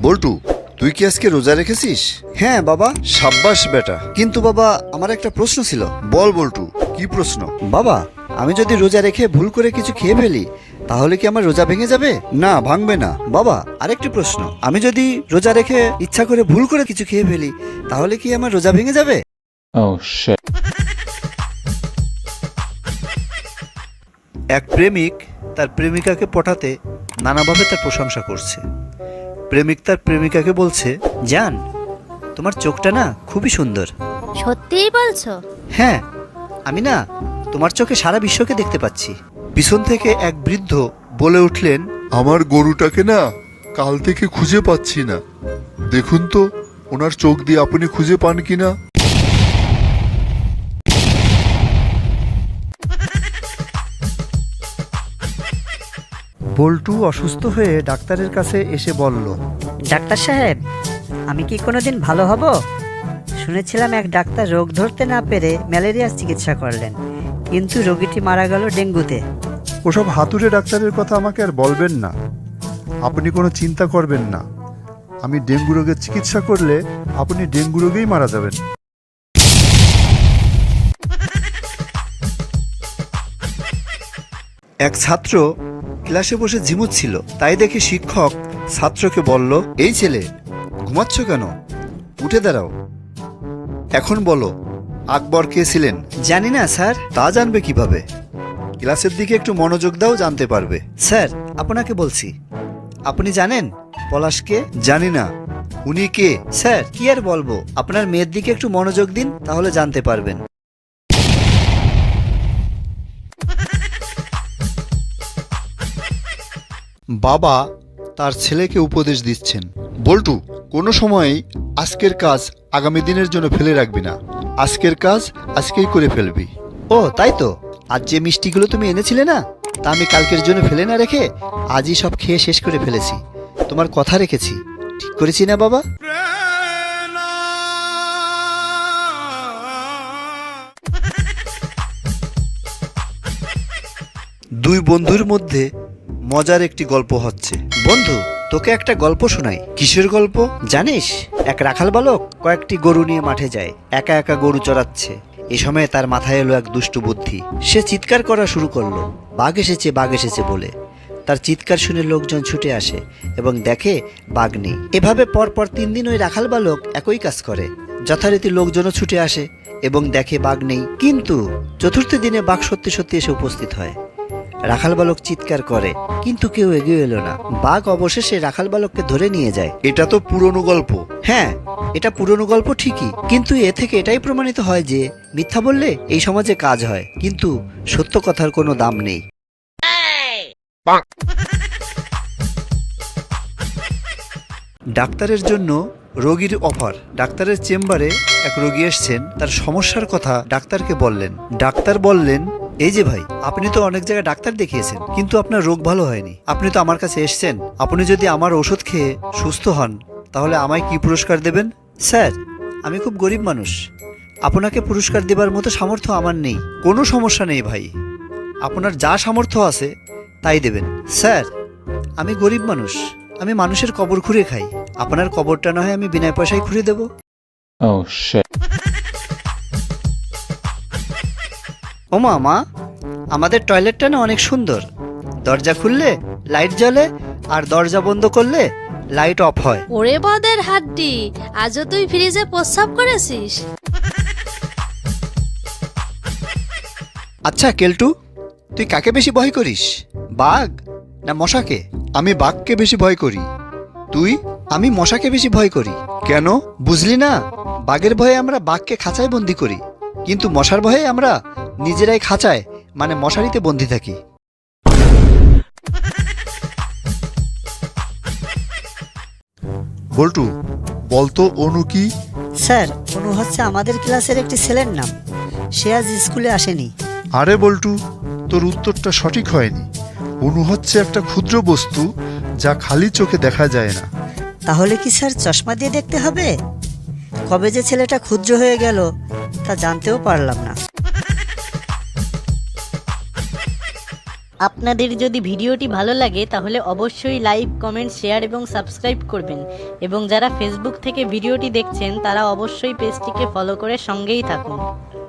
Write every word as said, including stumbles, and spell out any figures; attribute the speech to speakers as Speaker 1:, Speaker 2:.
Speaker 1: বল্টু, তুই কি আজকে রোজা রেখেছিস?
Speaker 2: হ্যাঁ বাবা।
Speaker 1: সাব্বাস বেটা।
Speaker 2: কিন্তু বাবা, আমার একটা প্রশ্ন ছিল।
Speaker 1: বল বল্টু, কি প্রশ্ন?
Speaker 2: বাবা, আমি যদি রোজা রেখে ভুল করে কিছু খেয়ে ফেলি তাহলে কি আমার রোজা ভেঙে যাবে?
Speaker 1: না, ভাঙবে না।
Speaker 2: বাবা, আরেকটি প্রশ্ন, আমি যদি রোজা রেখে ইচ্ছা করে ভুল করে কিছু খেয়ে ফেলি তাহলে কি আমার রোজা ভেঙে যাবে?
Speaker 3: Oh shit.
Speaker 2: এক প্রেমিক তার প্রেমিকাকে পটাতে নানাভাবে তার প্রশংসা করছে। প্রেমিক তার প্রেমিকাকে বলছে, জান, তোমার চোখটা না খুবই সুন্দর।
Speaker 4: সত্যিই বলছো?
Speaker 2: হ্যাঁ, আমি না তোমার চোখে সারা বিশ্বকে দেখতে পাচ্ছি। পিছন থেকে এক বৃদ্ধ বলে উঠলেন,
Speaker 5: আমার গরুটাকে না কাল থেকে খুঁজে পাচ্ছি না, দেখুন তো ওনার চোখ দিয়ে আপনি খুঁজে পান কিনা।
Speaker 2: বল্টু অসুস্থ হয়ে ডাক্তারের কাছে এসে বলল,
Speaker 6: ডাক্তার সাহেব, আমি কি কোনোদিন ভালো হব? শুনেছিলাম এক ডাক্তার রোগ ধরতে না পেরে ম্যালেরিয়ার চিকিৎসা করলেন, কিন্তু রোগীটি মারা গেল ডেঙ্গুতে।
Speaker 7: ওসব হাতুড়ে ডাক্তারের কথা আমাকে আর বলবেন না। আপনি কোনো চিন্তা করবেন না, আমি ডেঙ্গু রোগের চিকিৎসা করলে আপনি ডেঙ্গু রোগেই মারা যাবেন।
Speaker 2: এক ছাত্র ক্লাসে বসে ঝিমুচ্ছিল, তাই দেখে শিক্ষক ছাত্রকে বলল, এই ছেলে, ঘুমাচ্ছ কেন? উঠে দাঁড়াও। এখন বলো, আকবর কে ছিলেন? জানি না স্যার। তা জানবে কিভাবে? ক্লাসের দিকে একটু মনোযোগ দাও, জানতে পারবে। স্যার, আপনাকে বলছি, আপনি জানেন পলাশকে? জানি না। উনি কে? স্যার, কি আর বলবো, আপনার মেয়ের দিকে একটু মনোযোগ দিন, তাহলে জানতে পারবেন।
Speaker 1: বাবা তার ছেলেকে উপদেশ দিচ্ছেন, বল্টু, কোনো সময়ই আজকের কাজ আগামী দিনের জন্য ফেলে রাখবি না। আজকের কাজ আজকেই করে ফেলবি।
Speaker 2: ও তাই তো, আজ যে মিষ্টিগুলো তুমি এনেছিলে না, তা আমি কালকের জন্য ফেলে না রেখে আজই সব খেয়ে শেষ করে ফেলেছি। তোমার কথা রেখেছি, ঠিক করেছি না বাবা? দুই বন্ধুর মধ্যে মজার একটি গল্প হচ্ছে। বন্ধু, তোকে একটা গল্প শোনাই। কিসের গল্প? জানিস, এক রাখাল বালক কয়েকটি গরু নিয়ে মাঠে যায়, একা একা গরু চড়াচ্ছে। এ সময় তার মাথায় এলো এক দুষ্টু বুদ্ধি। সে চিৎকার করা শুরু করলো, বাঘ এসেছে, বাঘ এসেছে বলে। তার চিৎকার শুনে লোকজন ছুটে আসে এবং দেখে বাঘ নেই। এভাবে পরপর তিন দিন ওই রাখাল বালক একই কাজ করে। যথারীতি লোকজনও ছুটে আসে এবং দেখে বাঘ নেই। কিন্তু চতুর্থ দিনে বাঘ সত্যি সত্যি এসে উপস্থিত হয়। রাখাল বালক চিৎকার করে, কিন্তু কেউ এগিয়ে এলো না। বাঘ অবশেষে রাখাল বালককে ধরে নিয়ে যায়।
Speaker 1: এটা তো পুরনো গল্প।
Speaker 2: হ্যাঁ, এটা পুরনো গল্প ঠিকই, কিন্তু এ থেকে এটাই প্রমাণিত হয় যে মিথ্যা বললে এই সমাজে কাজ হয়, কিন্তু সত্য কথার কোনো দাম নেই। ডাক্তারের জন্য রোগীর অফার। ডাক্তারের চেম্বারে এক রোগী এসেছেন, তার সমস্যার কথা ডাক্তারকে বললেন। ডাক্তার বললেন, এই যে ভাই, আপনি তো অনেক জায়গায় ডাক্তার দেখিয়েছেন, কিন্তু আপনার রোগ ভালো হয়নি। আপনি তো আমার কাছে এসেছেন, আপনি যদি আমার ওষুধ খেয়ে সুস্থ হন তাহলে আমায় কি পুরস্কার দেবেন? স্যার, আমি খুব গরিব মানুষ, আপনাকে পুরস্কার দেবার মতো সামর্থ্য আমার নেই। কোনো সমস্যা নেই ভাই, আপনার যা সামর্থ্য আছে তাই দেবেন। স্যার, আমি গরিব মানুষ, আমি মানুষের কবর খুঁড়ে খাই, আপনার কবরটা না হয় আমি বিনা পয়সায় খুঁড়ে দেব।
Speaker 3: Oh shit.
Speaker 2: ও মা, মা, আমাদের টয়লেটটা না অনেক সুন্দর। দরজা খুললে লাইট জ্বলে, আর দরজা বন্ধ করলে লাইট অফ হয়।
Speaker 4: ওরে বদের হাড্ডি, আজও তুই ফ্রিজে প্রস্রাব করেছিস?
Speaker 2: আচ্ছা কেলটু, তুই কাকে বেশি ভয় করিস, বাঘ না মশাকে?
Speaker 1: আমি বাঘকে বেশি ভয় করি। তুই?
Speaker 2: আমি মশাকে বেশি ভয় করি।
Speaker 1: কেন?
Speaker 2: বুঝলি না, বাঘের ভয়ে আমরা বাঘকে খাঁচায় বন্দি করি, কিন্তু মশার ভয়ে আমরা নিজেরাই খাঁচায় মানে মশারিতে বন্দি থাকি।
Speaker 5: বল্টু, বলতো অনু কি?
Speaker 6: স্যার, অনু হচ্ছে আমাদের ক্লাসের একটি ছেলের নাম। সে আজ স্কুলে আসেনি।
Speaker 5: আরে বল্টু, তোর উত্তরটা সঠিক হয়নি। অনু হচ্ছে একটা ক্ষুদ্র বস্তু যা খালি চোখে দেখা যায় না।
Speaker 6: তাহলে কি স্যার চশমা দিয়ে দেখতে হবে? কবে যে ছেলেটা ক্ষুদ্র হয়ে গেল তা জানতেও পারলাম না।
Speaker 8: আপনি আপনাদের যদি ভিডিওটি ভালো লাগে তাহলে অবশ্যই লাইক, কমেন্ট, শেয়ার এবং সাবস্ক্রাইব করবেন এবং যারা ফেসবুক থেকে ভিডিওটি দেখছেন তারা অবশ্যই পেজটিকে ফলো করে সঙ্গেই থাকুন।